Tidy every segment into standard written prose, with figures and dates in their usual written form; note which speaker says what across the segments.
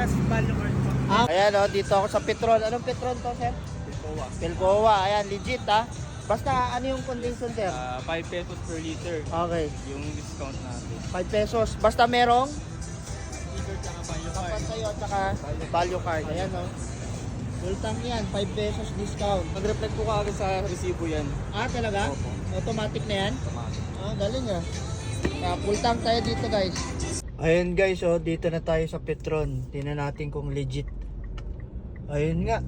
Speaker 1: Plus value card po.
Speaker 2: Ayan o, dito ako sa Petron. Anong Petron to, sir?
Speaker 1: Pilcoa.
Speaker 2: Pilcoa. Ayan, legit ha. Basta ano yung condition, sir?
Speaker 1: 5 pesos per liter.
Speaker 2: Okay,
Speaker 1: Yung discount natin.
Speaker 2: 5 pesos. Basta merong
Speaker 1: Sticker tsaka value
Speaker 2: tapat
Speaker 1: card.
Speaker 2: sa'yo at saka value card. Ayan o. Full tank yan, 5 pesos discount.
Speaker 1: Mag-reflect po kaagad sa resibo yan.
Speaker 2: Talaga?
Speaker 1: Opo.
Speaker 2: Automatic na yan?
Speaker 1: Automatic.
Speaker 2: Galing ah. Full tank tayo dito, guys. Ayun guys, dito na tayo sa Petron. Tingnan natin kung legit. Ayun nga.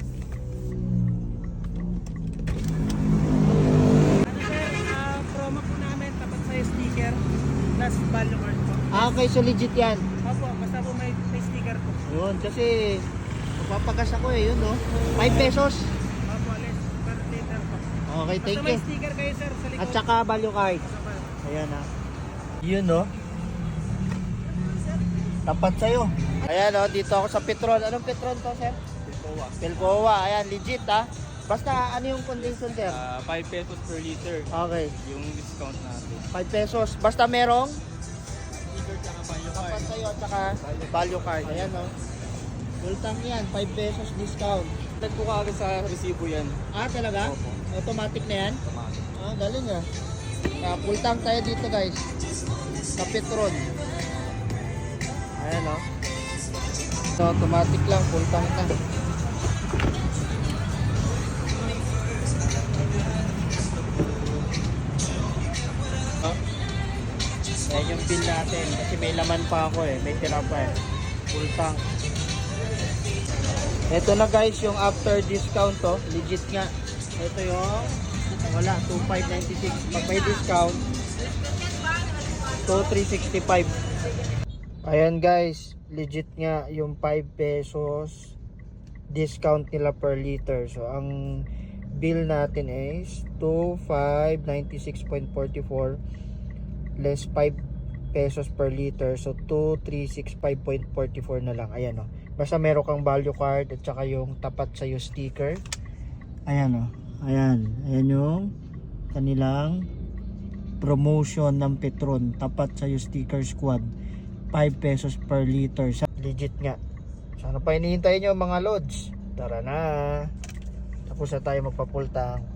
Speaker 1: Promo po namin, tapat sa sticker, plus value card po.
Speaker 2: Okay, so legit yan.
Speaker 1: Opo, basta po may sticker po.
Speaker 2: Yun, kasi mapapagas ako yun 5 pesos.
Speaker 1: Opo, less per liter po.
Speaker 2: Okay,
Speaker 1: Basta
Speaker 2: thank
Speaker 1: may
Speaker 2: you.
Speaker 1: sticker kayo sir sa likod.
Speaker 2: At saka value card. Ayan Yun tapat sa'yo. Ayan dito ako sa Petron. Anong Petron to, sir?
Speaker 1: Pilcoa.
Speaker 2: Pilcoa. Ayan, legit Basta ano yung condition, sir?
Speaker 1: 5 pesos per liter.
Speaker 2: Okay,
Speaker 1: Yung discount natin.
Speaker 2: 5 pesos. Basta merong
Speaker 1: Sticker tsaka value
Speaker 2: tapat
Speaker 1: card.
Speaker 2: sa'yo at saka value card. Ayan full tank yan, 5 pesos discount.
Speaker 1: Reflect po kaagad sa resibo yan.
Speaker 2: Talaga?
Speaker 1: Opo.
Speaker 2: Automatic na yan?
Speaker 1: Automatic.
Speaker 2: Galing full tank tayo dito, guys. Sa Petron. Ayan So, automatic lang, full tank na. Ayan yung bill natin kasi may laman pa ako may tira pa full tank. Ito na guys yung after discount legit nga. Ito yung wala 2596 pag may discount 2365. Ayan guys, legit nga yung 5 pesos discount nila per liter. So ang bill natin is 2596.44 less 5 pesos per liter, so 2365.44 na lang. Ayan basta meron kang value card at saka yung tapat sa yung sticker. Ayan ayan yung kanilang promotion ng Petron, tapat sa yung sticker squad, 5 pesos per liter. Legit nga. Sana pa hinihintay nyo mga lods. Tara na, tapos na tayo magpapultang.